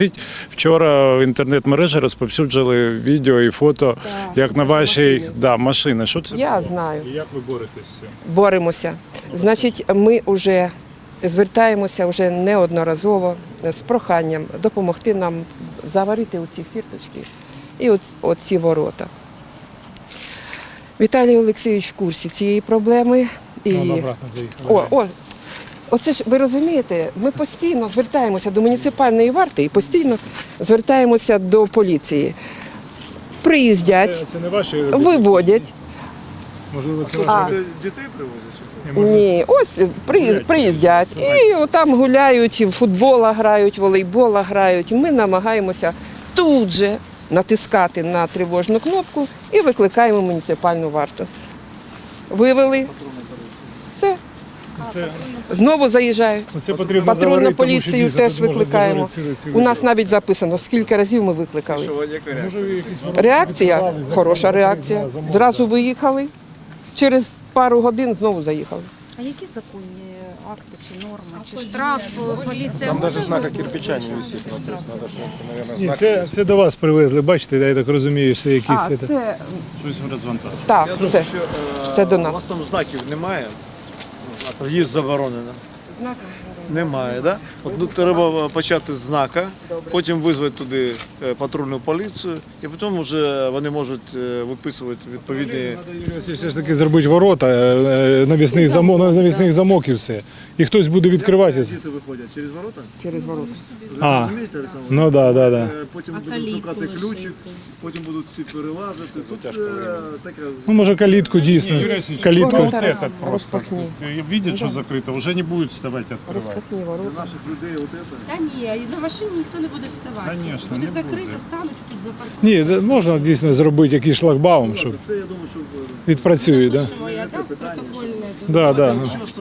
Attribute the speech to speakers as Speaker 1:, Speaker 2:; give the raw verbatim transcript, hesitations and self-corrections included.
Speaker 1: Вчора в інтернет-мережі розповсюджили відео і фото,
Speaker 2: Так,
Speaker 1: як на вашій
Speaker 2: машини.
Speaker 1: да, машини. Що це
Speaker 2: Я
Speaker 1: було?
Speaker 2: знаю.
Speaker 1: І як ви боретесь з цим?
Speaker 2: Боремося. Значить, ми вже звертаємося вже неодноразово з проханням допомогти нам заварити оці фірточки і оц- оці ворота. Віталій Олексійович в курсі цієї проблеми. І... О, о, оце ж ви розумієте, ми постійно звертаємося до муніципальної варти і постійно звертаємося до поліції. Приїздять,
Speaker 1: Це, це не ваші
Speaker 2: виводять.
Speaker 1: Можливо, це
Speaker 2: А.
Speaker 1: ваші
Speaker 3: Дітей привозять?
Speaker 2: Ні, ось при- приїздять і там гуляють, в футбола грають, волейбола грають. Ми намагаємося тут же натискати на тривожну кнопку і викликаємо муніципальну варту. Вивели, все,
Speaker 1: це,
Speaker 2: знову заїжджають.
Speaker 1: це потрібно
Speaker 2: Патрульну
Speaker 1: заварити, тому що
Speaker 2: поліцію
Speaker 1: дійсно
Speaker 2: теж
Speaker 1: тут можуть
Speaker 2: викликаємо.
Speaker 1: дежурити цілий- цілий
Speaker 2: У нас
Speaker 1: день.
Speaker 2: навіть записано, скільки разів ми викликали.
Speaker 3: Що, яка реакція?
Speaker 1: Може, якісь ворота
Speaker 2: Реакція,
Speaker 1: відкривали,
Speaker 2: хороша
Speaker 1: закрили,
Speaker 2: реакція.
Speaker 1: замок,
Speaker 2: Зразу
Speaker 1: да.
Speaker 2: виїхали, через пару годин знову заїхали.
Speaker 4: А які законні акти чи норми? Чи штраф поліція
Speaker 5: Там
Speaker 4: може
Speaker 5: даже знака
Speaker 4: встановити
Speaker 5: кирпича не
Speaker 4: штраф?
Speaker 5: висит. Ну, то есть надо, что, наверное,
Speaker 6: Ні,
Speaker 5: знак.
Speaker 6: це, це до вас привезли, бачите, я так розумію, все якісь.
Speaker 2: А,
Speaker 6: це...
Speaker 2: це,
Speaker 1: Щось розвантажено.
Speaker 2: так,
Speaker 3: Я
Speaker 2: це,
Speaker 3: думаю, що, е,
Speaker 2: це до
Speaker 3: У
Speaker 2: нас.
Speaker 3: вас там знаків немає? А в'їзд заборонено. Немає, да? От ну, треба почати з знака, потім визвати туди е, патрульну поліцію, і потім вже вони можуть е, виписувати відповідні.
Speaker 6: Треба все ж таки зробити ворота, е, навісний замок, навісний замок і все. І хтось буде відкривати.
Speaker 3: Діти виходять через ворота?
Speaker 2: Через ворота.
Speaker 6: А,
Speaker 3: Розумієте, Олександр?
Speaker 6: ну да, да, да.
Speaker 3: Е, Потім будуть шукати ключик, потім будуть всі перелазити. Тут е, таке.
Speaker 6: Ну, може, калітку дійсно.
Speaker 1: Юрій Васильович,
Speaker 6: Калітку.
Speaker 1: вот
Speaker 2: Тарас,
Speaker 1: этот просто.
Speaker 2: розпахни.
Speaker 1: Видят, что закрыто, уже не будет вставать открывать.
Speaker 2: Розпахні ворота.
Speaker 3: Наших людей от це.
Speaker 7: Та ні, на машині ніхто не буде вставати.
Speaker 1: Конечно,
Speaker 7: буде
Speaker 1: не
Speaker 7: закрито,
Speaker 1: буде.
Speaker 7: стануть тут запаркують.
Speaker 6: Ні, да, можна дійсно зробити якийсь шлагбаум, щоб
Speaker 3: Це я думаю, що е,
Speaker 6: відпрацює, да?
Speaker 7: Моя, так, протокольне.
Speaker 6: Да, да.
Speaker 3: Що